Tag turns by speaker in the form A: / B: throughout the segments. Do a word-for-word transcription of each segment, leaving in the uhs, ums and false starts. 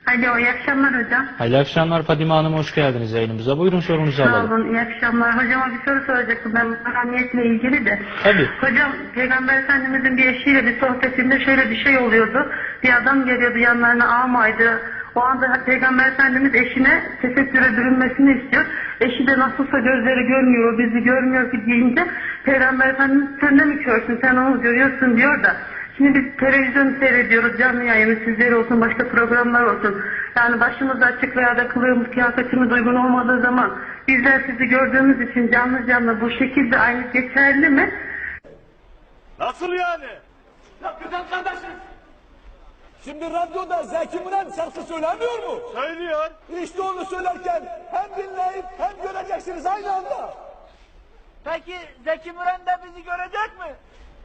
A: Alo, iyi akşamlar hocam.
B: Hayırlı akşamlar Fadime Hanım, hoş geldiniz yayınımıza. Buyurun sorunuzu
A: Sağ
B: alalım.
A: olun, iyi akşamlar. Hocama bir soru soracaktım ben mahremiyetle ilgili de.
B: Tabii.
A: Hocam, Peygamber Efendimizin bir eşiyle bir sohbetinde şöyle bir şey oluyordu. Bir adam geliyordu yanlarına, ağmaydı. O anda Peygamber Efendimiz eşine tesettüre bürünmesini istiyor. Eşi de nasılsa gözleri görmüyor, bizi görmüyor ki deyince Peygamber Efendimiz sen de mi körsün, sen onu görüyorsun diyor da. Şimdi biz televizyon seyrediyoruz, canlı yayını sizleri olsun, başka programlar olsun. Yani başımız açık veya da kılığımız, kıyafetimiz uygun olmadığı zaman bizler sizi gördüğümüz için canlı canlı bu şekilde aynı geçerli mi?
C: Nasıl yani?
D: Ya güzel kardeşim. Şimdi radyoda Zeki Müren şarkı söylemiyor mu?
C: Söylüyor.
D: İşte onu söylerken hem dinleyip hem göreceksiniz aynı anda.
E: Peki Zeki Müren de bizi görecek mi?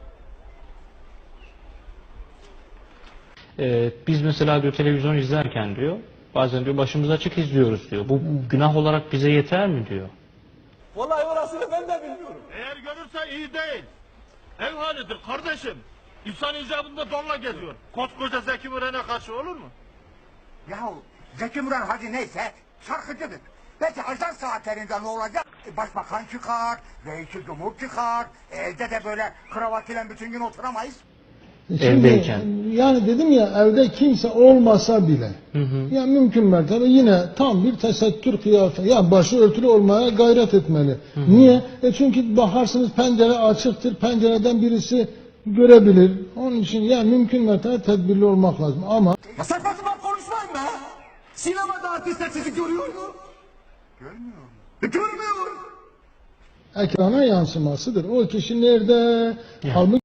B: Ee, biz mesela diyor televizyon izlerken diyor, bazen diyor başımız açık izliyoruz diyor. Bu günah olarak bize yeter mi diyor.
D: Vallahi orasını ben de bilmiyorum.
C: Eğer görürse iyi değil. Ev halidir kardeşim. İnsan icabında donla geziyor. Koskoca Zeki Müren'e karşı olur mu?
F: Yahu Zeki Müren hadi neyse şarkıcıdır. Belki ajan saatlerinde ne olacak? E, Başbakan çıkar, reisi cumhur çıkar, evde de böyle kravat ile bütün gün oturamayız.
G: Şimdi,
B: Evdeyken.
G: Yani dedim ya evde kimse olmasa bile
B: Hı hı.
G: ya mümkün mertebe yine tam bir tesettür kıyafeti ya başı örtülü olmaya gayret etmeli.
B: Hı hı.
G: Niye? E çünkü bakarsınız pencere açıktır, pencereden birisi görebilir. Onun için ya mümkün mertebe tedbirli olmak lazım ama
D: Ya saçma sapan konuşmayın be. Sinemada artistler sizi görüyor mu?
F: Görmüyor musun?
D: E, görmüyor.
G: ekrana yansımasıdır. O kişi nerede? Halbuki